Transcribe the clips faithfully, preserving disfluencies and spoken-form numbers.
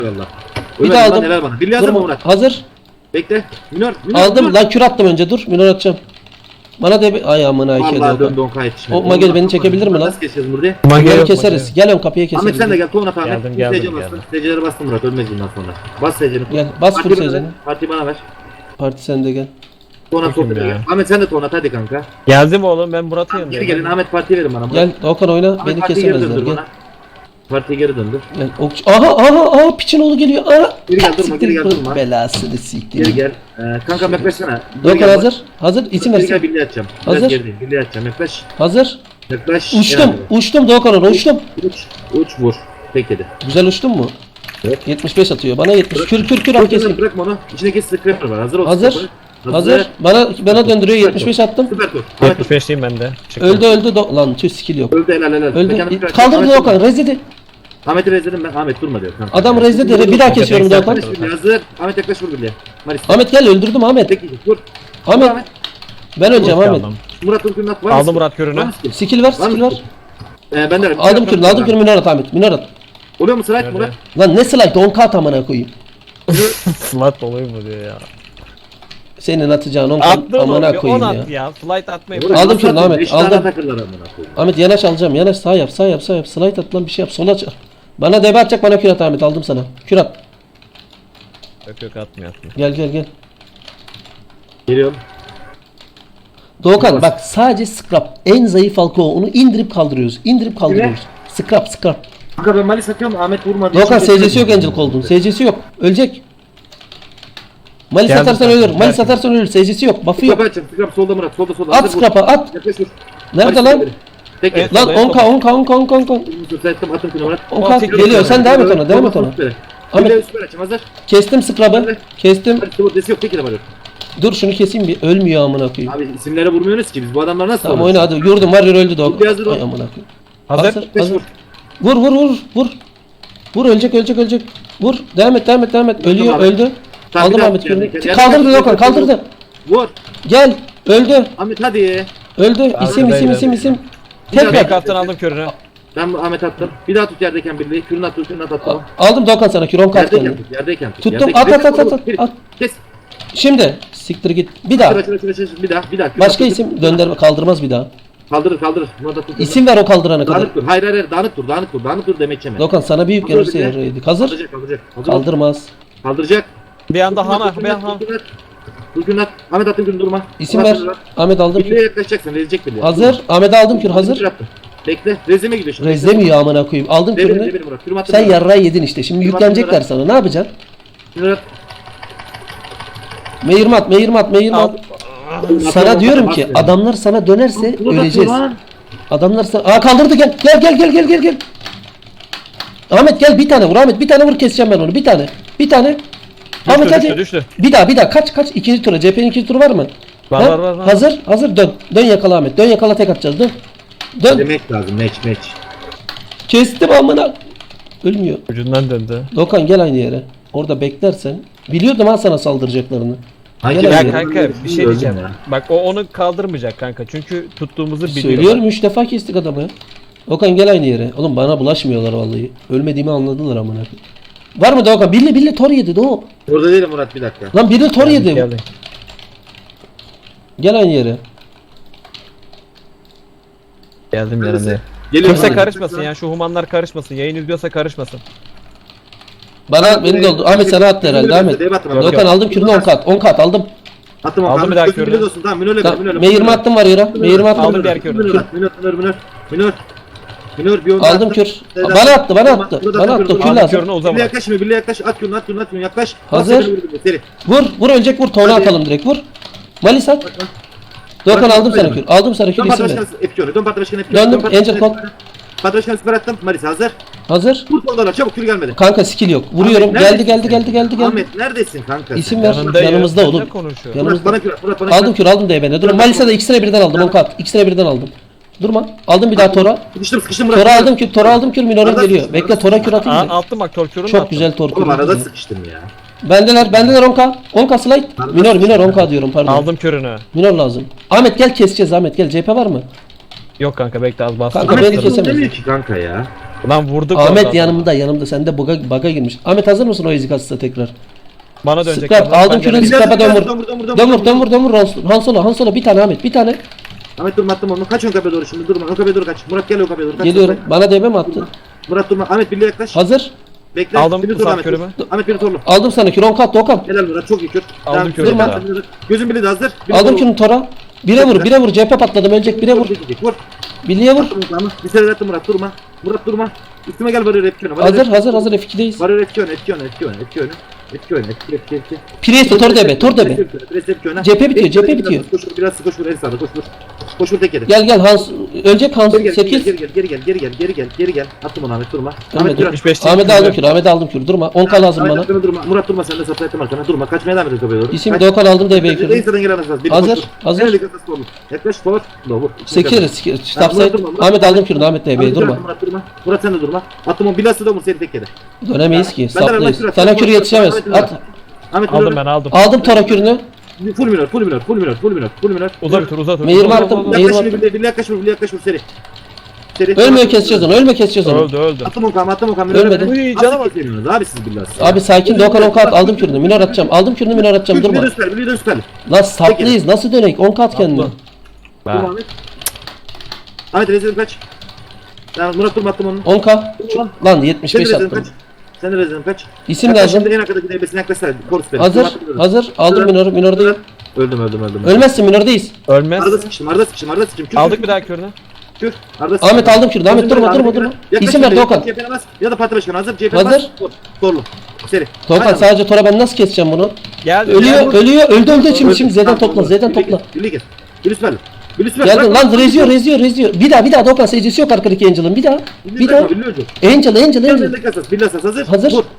Eyvallah. Bir Ömer, daha lan aldım. helal bana. Birliği hazır mı Durma. Murat? Hazır. Bekle. Minör. Minör. Aldım minör. lan kür attım önce dur. Minor atacağım. Bana de ay amına ikiye Vallahi döndü doğru. on K yetişmedi. O Magel beni çekebilir mi lan? Nasıl keseceğiz burada? Mage Bunları yok, keseriz. mage Gel ön kapıya keseriz. Ahmet sen de gel. Tuğuna Ahmet. Geldim, Full geldim, S C bastın. geldim. S C'leri bastın Murat. Ölmez bundan sonra. Bas S C'ni. Gel, bas full Partiyi bana S C'ni. ver, Partiyi bana ver. Parti sende gel. Tuğuna Bakayım sohbete ya. gel. Ahmet sen de Tuğuna hadi kanka. Geldim oğlum, ben Murat'ın Geri yanındayım. gelin Ahmet partiyi verin bana. Gel Okan oyna. Ahmet Beni partiyi geri kesemezler. döndür Gel. bana. Partiye geri döndür. Gel. Ok aha aha aha piçin oğlu geliyor. Aha. Geri gel, durma, Siktir geri gel, bu durma. belasını siktir. Geri gel. Ee, kanka yaklaşsana. Geri Dokan gel bak. hazır. Hazır. İsim Geri gel versin. birliğe atacağım. Biraz Hazır. gerideyim. Birliğe atacağım. Yaklaş. Hazır. Yaklaş. Uçtum. Uçtum Doğukan orada uçtum. Uç. Uç vur. Tek yedi. Güzel uçtun mu? Evet. yetmiş beş atıyor. Bana yetmiş. Kür kür kür at Bırak kesin. bırakma onu. İçindeki scraper var. Hazır ol. Hazır. scraper. Hazır. Bana bana döndürüyor. Süper yetmiş beş top. attım. Süper top. Ahmet yetmiş beşliyim ben de. Çıktım. Öldü öldü. Do- lan tüh skill yok. öldü helal helal. Öldü. Mekanı bırak. Kaldırdı Ahmet Doğukan. durma. Rezidi. Ahmet'i rezledim ben. Ahmet durma diyor. Kanka. Adam rezidi. Bir daha kesiyorum Tek Doğukan. tek. Ahmet hazır. Ahmet yaklaş vur birliğe. Maris. Ahmet gel öldürdüm Ahmet. Tek yedi. Vur. Ahmet. Ben öleceğim Murat Ahmet. aldım. Murat Ülkü'nün at. Var Aldım mısın? Murat körünü. Var mısın? Skill ver Var skill mı? ver. Ee, ben de Aldım kürünü aldım kürünü minor at Ahmet. Minor at. Oluyor mu Sırat Nerede? Murat? Lan ne slide on kat amına koyayım. Flat oluyor mu diyor ya. Senin atacağın on kat Attın amına oğlum, on koyayım at ya. ya. Flight atmayı Murat, Aldım nasıl kürünü atıyorsun? Ahmet, Beş tane aldım. takırlar amına koyayım. Ahmet yanaş alacağım. Yanaş sağ yap sağ yap sağ yap. Slide at lan bir şey yap. Sola çak. Bana debe atacak bana kür at Ahmet. Aldım sana. Kür at. Yok yok atmıyor atmıyor. Gel gel gel. Geliyorum. Doğukan Yavaş. bak sadece scrap. En zayıf halka o. Onu indirip kaldırıyoruz. İndirip kaldırıyoruz. Scrap scrap. Kanka ben Malis atıyorum. Ahmet vurmadı. Doğukan Şimdi- S C'si yok Angel Cold'un. S C'si yok. Ölecek. Malis Geldim atarsan zaten. ölür. Malis Geldim. atarsan ölür. S C'si yok. Buff'ı yok. Scrap açacağım. Scrap solda Murat. Solda solda. At Hazır vur. scrap'a at. Yaklaş vur. Nerede Malis lan? vur. Tek Evet. yedi. Lan on K on K on K on K on K. Müsaittim atım kilo Murat. on K Tek geliyor. Sen devam et ona. Devam et Solda ona. süper. Ahmet- Ahmet. Süper açım hazır. Kestim scrap'ı. Kestim. Hadi sıvı desi yok. Tek yedi var. Dur şunu keseyim bir. Ölmüyor amına koyayım. Abi isimlere vurmuyoruz ki biz. Bu adamlar nasıl Tamam olur? oyna hadi. Yurdum var öldü Bir Doğukan. hazır ol. Ay amına koyayım. Hazır. Hazır. Beş hazır. vur. Vur vur vur vur. Vur ölecek ölecek ölecek. Vur. Devam et devam et devam et. Ölüyor abi. öldü. Tamam, bir Aldım daha Ahmet yani. Kürünü. Yani- Kaldırdı yani- Doğukan kaldırdı. Vur. Gel. Öldü. Ahmet hadi. Öldü. İsim isim Arkadaydı. isim isim. Bir daha- Tekrar. Tek attın aldım körünü. Ben bu Ahmet attım. Bir daha tut yerdeyken birliği. Kürünü at, kürünü at, attım. Aldım Doğukan sana kür on kat Yerdeyken kendini. tut, yerdeyken tut. Tuttum. Yerdeyken- At, at, at, Kes, at, kes, at. Kes. Şimdi siktir git. Bir daha. Açıl, açıl, açıl, açıl. Bir daha, bir daha. Kürünü Başka at, isim döndürme kaldırmaz bir daha. Kaldırır, kaldırır. Bunu da tut. İsim ver o kaldırana kadar. Dağınık dur. Hayır, hayır, hayır. Dağınık dur, dağınık dur. Dağınık dur demek yeme. Doğukan sana büyük Kaldır gelirse bir de. yaraydık. Hazır. Kaldıracak, kaldıracak. Hazır ol. Kaldırmaz. Kaldıracak. Bir anda hana. Kürünü Ben at, han. kürünü at. Kürünü at. Ahmet attın kürünü durma. İsim Ahmet ver. kürünü at. Ahmet aldım. Birliğe yaklaşacaksın. Rezecek birliğe. Hazır. Ahmet'e aldım kür hazır. Kür attı. Bekle. Rezeme gidiyor şimdi. Rezlemiyor amına koyayım. Aldım Devir, kürünü. devir Murat. Kürümü attın. Sen Murat. yarrağı yedin işte. Şimdi Kürümü yüklenecekler attın sana. Ne yapacaksın? Kürünü at. Meyirmat, meyirmat, meyirmat. Sana diyorum ki adamlar sana dönerse Bunu da öleceğiz. lan. Adamlar sana... Aa kaldırdı gel. Gel gel gel gel gel gel. Ahmet gel bir tane vur Ahmet. Bir tane vur keseceğim ben onu. Bir tane. Bir tane. Ahmet Düştü hadi. düştü düştü. Bir daha bir daha kaç kaç ikinci tura. C P'nin ikinci turu var mı? Var, Ha? var, var, var. Hazır hazır dön. Dön yakala Ahmet. Dön yakala tek atacağız. Dön. Dön. Demek lazım. Meç meç. Kestim amına. Ölmüyor. Ucundan döndü. Dokan gel aynı yere. Orada beklersen. Biliyordum ha sana saldıracaklarını. Hangi Gel Ya abi. kanka bir şey Öldüm diyeceğim. ya. Bak o onu kaldırmayacak kanka. Çünkü tuttuğumuzu biliyor. Söylüyorum üç defa kestik adamı. Okan gel aynı yere. Oğlum bana bulaşmıyorlar vallahi. Ölmediğimi anladılar amına. Var mı Doğukan? Biri biri tor yedi Doğu. Orada değilim Murat bir dakika. Lan biri tor yedi. Geldi. Gel aynı yere. Geldim yanına. Geliyorum. Kimse Hadi. karışmasın ya. Şu humanlar karışmasın. Yayın izliyorsa karışmasın. Bana beni de oldu. Ahmet sana attı herhalde Ahmet. Dev attım. Yok, Dokan aldım kürünü on kat. on kat aldım. Attım Aldım aldım bir daha Gözüm körünü. bile olsun. Tamam minörle Tamam. minörle. Meyirme attım var yere. Meyirme attım. Aldım diğer körünü. Minör minör minör minör. Minör. Minör bir onu Aldım attım. kür. Dev Bana attım. attı bana Tamam, attı. burada Bana attım, attı. kürünü. Kür Aldım lazım. körünü o Birliğe zaman. yaklaş şimdi birliğe yaklaş. At kürünü at kürünü at kürünü yaklaş. Hazır. Bas, seni vur, vur, seri. Vur. Vur ölecek vur. Tona Hadi. atalım direkt vur. Malis at. Dokan Bırak, aldım sana bırak. kür. Aldım sana kür Dön isim parti ver. başkanı Epikör'ü. Dön parti başkanı Epikör'ü. Döndüm, Dön parti Angel başkanı Call. Epikör'ü. Parti başkanı süper attım. Maris hazır. Hazır. Vur soldalar çabuk kür gelmedi. Kanka skill yok. Vuruyorum. Ahmet, Geldi neredesin geldi sen? geldi geldi geldi. Ahmet neredesin kanka? İsim sen? ver. Yanındayım. Yanımızda Ne oğlum. konuşuyor? Yanımızda. Murat bana kür at. Murat bana kür Aldım at. kür aldım D B'ne. Durma. Malisa'da da ikisine birden aldım. on kat. İkisine birden aldım. Durma. Aldım bir daha Tora. Sıkıştım sıkıştım Murat. Tora aldım kür. Tora aldım kür. Minorum Arada geliyor. sıkıştım, Bekle arada Tora kür atayım. Aa, da. attım bak torkürünü Çok attım. güzel tor Oğlum arada kür. sıkıştım ya. Bendeler. Bendeler on K. on K slide. Minor minor on K diyorum pardon. Aldım körünü. Minor lazım. Ahmet gel keseceğiz Ahmet gel. C P var mı? Yok kanka bekle az bastım. Kanka, Ahmet beni hiç kesemez. demiyor ki kanka ya. Lan vurduk. Ahmet oradan. yanımda yanımda. Sende bug'a bug'a girmiş. Ahmet hazır mısın o ezik asısa tekrar? Bana dönecek. Scrap Lan, aldım ben kürünü geleceğim. scrap'a dön vur. Dön vur, dön vur, dön vur, Dön dön vur vur. dön vur dön vur. Han- Han Solo Han Solo bir tane Ahmet bir tane. Ahmet durma attım onu. Kaç ön kapıya doğru şimdi durma. Ön kapıya doğru kaç. Murat gel ön kapıya doğru kaç. Geliyorum. Bana D B mi attın? Murat durma. Ahmet birliğe yaklaş. Hazır. Bekle. Aldım Biri bu dur saat Ahmet. körümü. Ahmet biri torlu. Aldım sana kür on kat Doğukan. Helal Murat çok iyi kür. Aldım Tamam, kürümü durma. daha. Gözün biri de hazır. Biri Aldım torlu. kürünü Tora. Bire vur bire vur. C H P patladım ölecek bire vur. Vur. Birliğe vur. Attım tamam. Bir sefer attım Murat durma. Murat durma. Üstüme gel varıyor etki öne. Hazır hazır hazır F iki'deyiz. Varıyor etki öne etki öne etki öne etki öne. Etki öne etki etki etki. Priest Tor D B Tor D B. C P bitiyor, C P bitiyor. Koş vur biraz koş vur en sağda koş vur. Koş vur tek yedi. Gel gel Hans ölecek Hans Geri gel, sekiz. geri gel, geri gel, geri gel, geri gel, geri gel. Attım onu Ahmet durma. Ahmet, Ahmet dur. yetmiş beş Ahmet'e aldım kür Ahmet'e aldım kür durma on K lazım Ahmet bana. attım, durma. Murat durma sen de sapla ettim arkana. Durma. Kaçmaya devam edin kapıya doğru. İsim Kaç. Doğukan aldım D B'yi kür. Reisa'dan gelen asas. Hazır, hazır. Nerede kasası olur? Yaklaş forward. Low vur. Sekiz Stop Murat side. durma, Murat Ahmet durma. aldım kürünü Ahmet D B'yi Ahmet durma. Murat durma. Murat sen de durma. Attım o bilası da vur seni tek yedi. Dönemeyiz ki Ben de saplıyız. Ahmet Sana Murat, kür Murat, yetişemez. Ahmet Murat. At. Ahmet Aldım Murat. ben aldım. Aldım Tora kürünü. Full minör, full minör, full minör, full minör, full minör. Uza bir tur uza tur. Meyir Uza, var uza, attım, uza. meyir Yaklaş var. şimdi birliğe, birliğe yaklaş vur, birliğe yaklaş vur seri. Seri. Ölmüyor keseceğiz onu ölme keseceğiz onu. Öldü öldü. Attım o kam, attım o kam. Ölmedi. Uy, cana bak. Abi siz billahi. Abi sakin Doğukan on kat aldım kürünü. Minor atacağım. Aldım kürünü minor atacağım durma. Bir de süper, bir de süper. Lan saplıyız nasıl dönek on kat kendine. Atla. Durma Ha. Ahmet. Ahmet rezil kaç. Ya Murat durma attım onu. on K. Durma. Lan yetmiş Sen de beş rezil attım. kaç. Sen de rezil kaç. İsim Yaklaş lazım. Şimdi en arkadaki devresine yaklaşsana. Korus beni. Hazır. Durma, attım, Hazır. Aldım minor. Minor değil. Öldüm öldüm öldüm. Ölmezsin minordayız. Ölmez. Arada sıkıştım, arada sıkıştım, arada sıkıştım. Kür, Aldık kür, bir daha körünü. kür. Arada sıkıştım. Ahmet aldım kürünü. Ahmet durma durma durma. Yaklaş İsim ver şimdi, Doğukan. C H P'ne bas. Ya da parti başkanı hazır. C H P'ne Hazır. bas. Tor- Torlu. Seri. Doğukan Aynen. sadece Tora ben nasıl keseceğim bunu? Geldi. Ölüyor geldi. ölüyor öldü öldü şimdi Öldü. şimdi Z'den Tamam, topla oldu. Z'den Birliğe topla. gel, birliğe gel. Birliğe süper. Birliğe süper. Geldi Bırak, lan bırak, reziyor bırak. reziyor reziyor. Bir daha bir daha Doğukan secdesi yok arkadaki Angel'ın bir daha. Birliğe Bir daha. bırakma, birliğe ölecek. Angel Angel Gel, Angel. birliğe kasas, birliğe asas hazır. Hazır. Vur.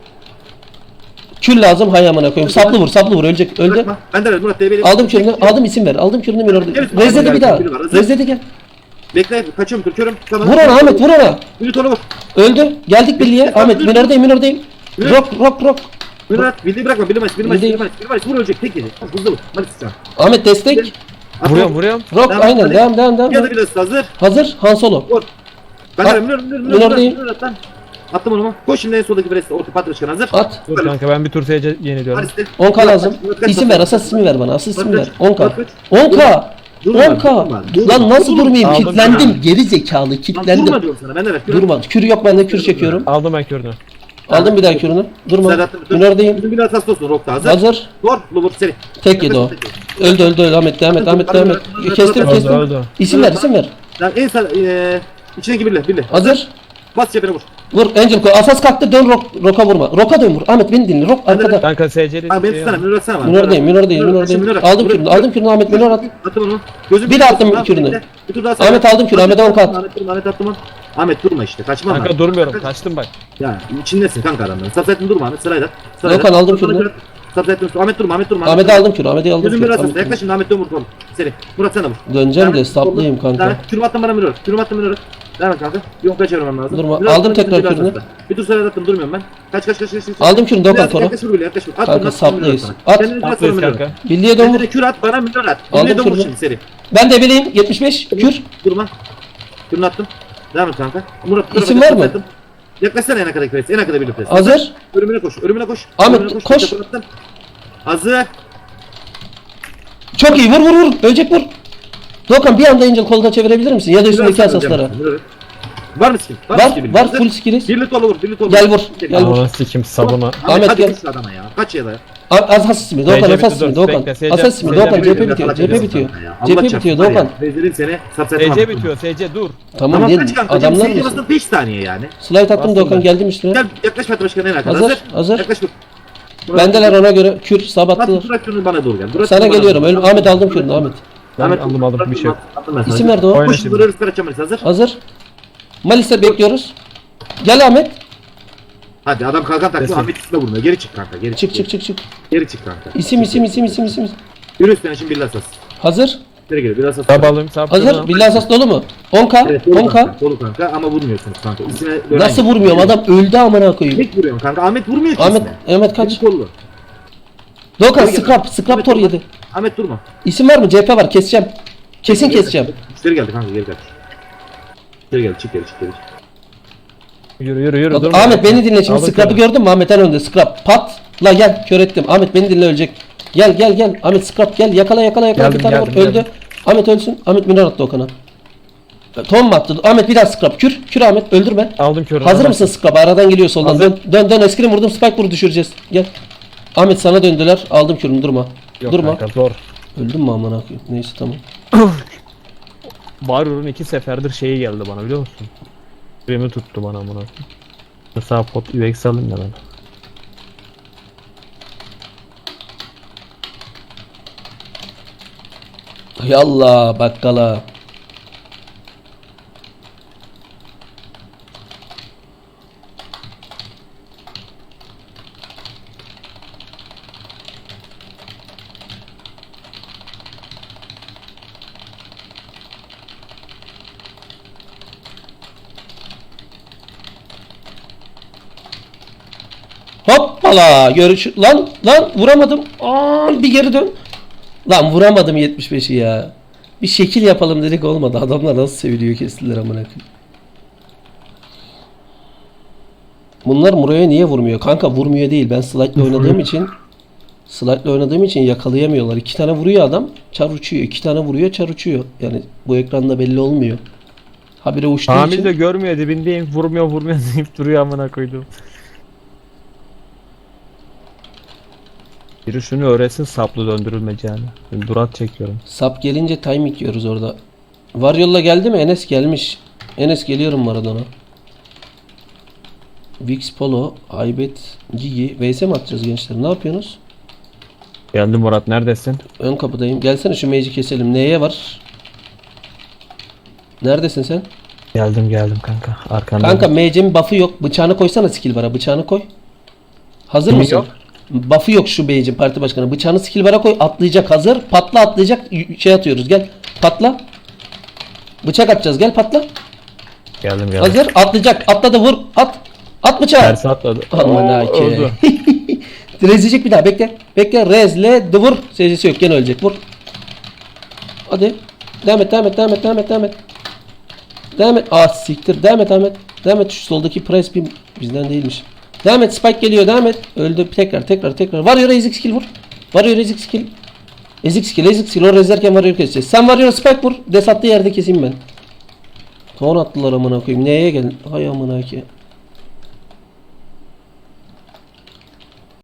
Kül lazım hay amına koyayım. Saplı vur saplı vur ölecek öldü. Bırakma. Ben de ver, Murat D B'li. Aldım kürünü aldım isim ver aldım kürünü minor. Evet, Rezledi tamam, bir daha. biri var, hazır. Rezledi gel. Bekle, kaçıyorum, Türküyorum. Tamam. Vur ona Ahmet vur ona. Birliğe torlu vur. Öldü. Geldik birliğe. Ahmet minordayım minordayım. Rock rock rock. Birliğe at, birliğe bırakma, birliğe maç, birliğe maç, Birliğe- birliğe maç, birliğe maç. Vur ölecek, tek yedi. Hızlı vur. Hadi sıçan. Ahmet destek. Vuruyorum vuruyorum. Rock Devam, aynen hadi. devam devam Ya da devam. biraz hazır. Hazır Han Solo. Vur. Ben At. de minör, minör, minör, Minör minör, değil. minör at lan. Attım onu mu? Koş şimdi en soldaki breste, orta patlaşkan hazır. At. Dur kanka ben bir tur seyirci yeniliyorum. Hadi on K lazım. Murat kaç, İsim Murat ver kaç. asas ismi ver bana asas ismi ver. Murat kaç, on K. Murat kaç. on K. Durma, on K. durma, durma. Lan nasıl Durma. durmayayım? Aldım Kitlendim. ya. Geri zekalı Lan kitlendim. durma diyorum sana, ben de ver. Durma. Kür yok bende kür çekiyorum. Aldım ben körünü. Aldım bir daha kürünü. Durma. Serhat'ın bütün- Minordayım. Bizim bir hassas olsun Rock'ta hazır. Hazır. Vur, vur, seri. Tek yedi o. Öldü öldü öldü Ahmet devam et Ahmet devam et. Kestim Öldü kestim. öldü. İsim ver isim ver. Lan en sağ, eee, içindeki birle, birle. Hazır. Bas cebine vur. Vur Angel koy. Asas kalktı dön Rock. Rock'a vurma. Rock'a dön vur. Ahmet beni dinle. Rock arkada. Kanka seyirci Abi beni tutsana, minör atsana bana. Minordayım minordayım Minör, minordayım. minör at. Aldım Minör- kürünü aldım kürünü Ahmet minor at. Attım onu. Gözüm Bir de attım Tamam, kürünü. bekle. Bir tur daha sana. Ahmet aldım kürünü, Ahmet'e on kat. Ahmet durma, Ahmet attım onu. Ahmet durma işte, kaçma Kanka lan. durmuyorum kaçtım bak. Ya içindesin kanka adamların. Sapsettin durma Ahmet, sırayla. Doğukan, aldım kürünü. Sapsettin, Ahmet durma, Ahmet durma. Ahmet'e aldım kürünü Ahmet'e aldım Gözüm kürünü. biraz Ahmet- hasta, yaklaş şimdi Ahmet dön vur oğlum. Seri. Murat sen de vur. Döneceğim Ahmet, de saplıyım kanka. Ahmet, kürüm attım bana minör. Kürüm attım minör. Devam et kanka. Yok kaçırmam lazım. Durma, Biraz aldım sonra tekrar biraz kürünü. hasta. Bir tur sırayla attım, durmuyorum ben. Kaç kaç kaç kaç. kaç. Aldım kürünü Doğukan Biraz sonra. Yaklaş vur böyle, yaklaş vur. At Kanka, bunu, at, minör saplıyız. sana. At. Kendini biraz sonra Tatlıyız minör. kanka. Birliğe dön Kendine vur. de kür at, bana minör at. Aldım Birliğe dön vur kürünü. şimdi seri. Ben de bileyim yetmiş beş kür. Durma. Kürünü attım. Devam et kanka. Murat bu tarafa İsim var kaç mı? attım. Yaklaşsana en arkadaki pres. En arkada bir pres. Hazır. Ölümüne koş. Ölümüne koş. Ahmet, Ölümüne koş. Tekrar attım. Hazır. Çok iyi vur vur vur. Ölecek vur. Doğukan bir anda Angel kolda çevirebilir misin? Ya da üstündeki Biraz asaslara. hocam. Var mı skin? mı Var skin? var Hazır. full skilliz. Birli tolu vur. Birli tolu Gel vur. vur, gel vur. Aman sikim sabuna. Ahmet, Ahmet, hadi gel. gel. Adama ya. Kaç ya da? Asas ismi Doğukan Seyirci asas bitti, ismi dur, Doğukan. bekle, seyirci- Asas ismi seyirci Doğukan C P bitti, bitiyor. C P bitiyor. Allah C P çarpsın bitiyor var ya. Doğukan. Vezir'in seni sapsaytamam. S C bitiyor S C dur. Tamam Tamam değil kaç mi? kanka? Adamlar Adamlar mısın? mısın? beş saniye yani. Slide attım Bastım Doğukan ben. geldim üstüne. Gel yaklaş Fatih Başkan'a en arkada. Hazır, Hazır. hazır. Yaklaş vur. Bendeler ona göre kür Fatih sabattılar. Durak şunu bana doğru gel. Durak Sana şunu bana geliyorum. doğru Öl- gel. Ahmet aldım kürünü Ahmet. Ben Ahmet, aldım aldım bir şey yok. attım ben sana. İsim ver Doğu. Oyna Koş şimdi. şimdi. Vuruyoruz Karaçam hazır. Hazır. Malis'e bekliyoruz. Gel Ahmet. Hadi adam kalkan taktı. Resim. Ahmet üstüne vurmuyor. Geri çık kanka. Geri Çık çık çık çık. Geri çık kanka. İsim isim isim isim isim. Yürü üstüne şimdi billah asas. Hazır. Geri gel billah asas. Sab alayım sab. Hazır. Billah asas dolu mu? on K. Evet, dolu on K. kanka. Dolu kanka ama vurmuyorsunuz kanka. İsine dönen Nasıl yok. vurmuyorum? Adam öldü amına koyayım. Tek vuruyorum kanka. Ahmet vurmuyor ki Ahmet isine. Ahmet kaç? Kaç? Kollu. Doğukan Geri gel. scrap scrap tor yedi. Ahmet durma. İsim var mı? C P var. Keseceğim. Kesin keseceğim. Geri geldi kanka geri gel. Geri gel çık geri çık geri. Yürü yürü yürü. Bak, durma. Ahmet beni dinle şimdi. Aldım Scrap'ı seni. gördün mü? Ahmet en önde. Scrap. Pat. La gel. Kör ettim. Ahmet beni dinle, ölecek. Gel gel gel. Ahmet Scrap gel. Yakala yakala yakala. Geldim, bir tane geldim, vur. Öldü. geldim. Ahmet ölsün. Ahmet minör attı Okan'a. Tom mu attı? Ahmet bir daha Scrap. Kür. Kür Ahmet. Öldürme. Aldım körünü. Hazır mısın Scrap? Aradan geliyor soldan. Hazır. Dön dön dön. Eskrim vurdum. Spike vuru düşüreceğiz. Gel. Ahmet sana döndüler. Aldım kürünü. Durma. Yok Durma. kanka zor. Öldün mü aman akıyım? Neyse tamam. Warrior'un iki seferdir şeyi geldi bana biliyor musun? Remi tuttu bana bunu. Mesela pot U X alayım da ben. Yallah bakkala. Hoppala görüş lan lan vuramadım. Aa, bir geri dön. Lan vuramadım yetmiş beşi ya. Bir şekil yapalım dedik olmadı. Adamlar nasıl seviliyor kestiler amına koyayım. Bunlar Muro'ya niye vurmuyor? Kanka vurmuyor değil. Ben slide'le oynadığım için slide'le oynadığım için yakalayamıyorlar. İki tane vuruyor adam. Çar uçuyor. İki tane vuruyor. Çar uçuyor. Yani bu ekranda belli olmuyor. Habire uçtuğu Hamil için. de görmüyor dibindeyim. Vurmuyor vurmuyor deyip duruyor amına koydum. Biri şunu öğretsin saplı döndürülmeyeceğini. Ben durat çekiyorum. Sap gelince timing yiyoruz orada. Varyolla geldi mi? Enes gelmiş. Enes geliyorum Maradona. Vix Polo, Aybet, Gigi. V S mi atacağız gençler? Ne yapıyorsunuz? Geldim Murat neredesin? Ön kapıdayım. Gelsene şu mage'i keselim. Neye var? Neredesin sen? Geldim geldim kanka. Arkanda. Kanka mage'in buff'ı yok. Bıçağını koysana skill bar'a. Bıçağını koy. Hazır Kimin mısın? yok? Buff'ı yok şu mage'in parti başkanı. Bıçağını skill bar'a koy. Atlayacak hazır. Patla atlayacak. Y- Şey atıyoruz. Gel. Patla. Bıçak atacağız. Gel patla. Geldim geldim. Hazır. Atlayacak. Atladı vur. At. At bıçağı. Tersi atladı. Aman Oo, hake. öldü. Rezleyecek bir daha. Bekle. Bekle. Rezle. De vur. Secdesi yok. Gene ölecek. Vur. Hadi. Devam et. Devam et. Devam et. Devam et. Devam et. Devam et. Ah siktir. Devam et Ahmet. Devam et. Şu soldaki price bir bizden değilmiş. Devam et. Spike geliyor. Devam et. Öldü. Tekrar. Tekrar. Tekrar. Varıyor. Ezik skill vur. Varıyor. Ezik skill. Ezik skill. Ezik skill. O rezlerken varıyor keseceğiz. Sen varıyor. Spike vur. Des attığı yerde keseyim ben. Ton attılar amına koyayım. Neye gelin? Hay amına ki.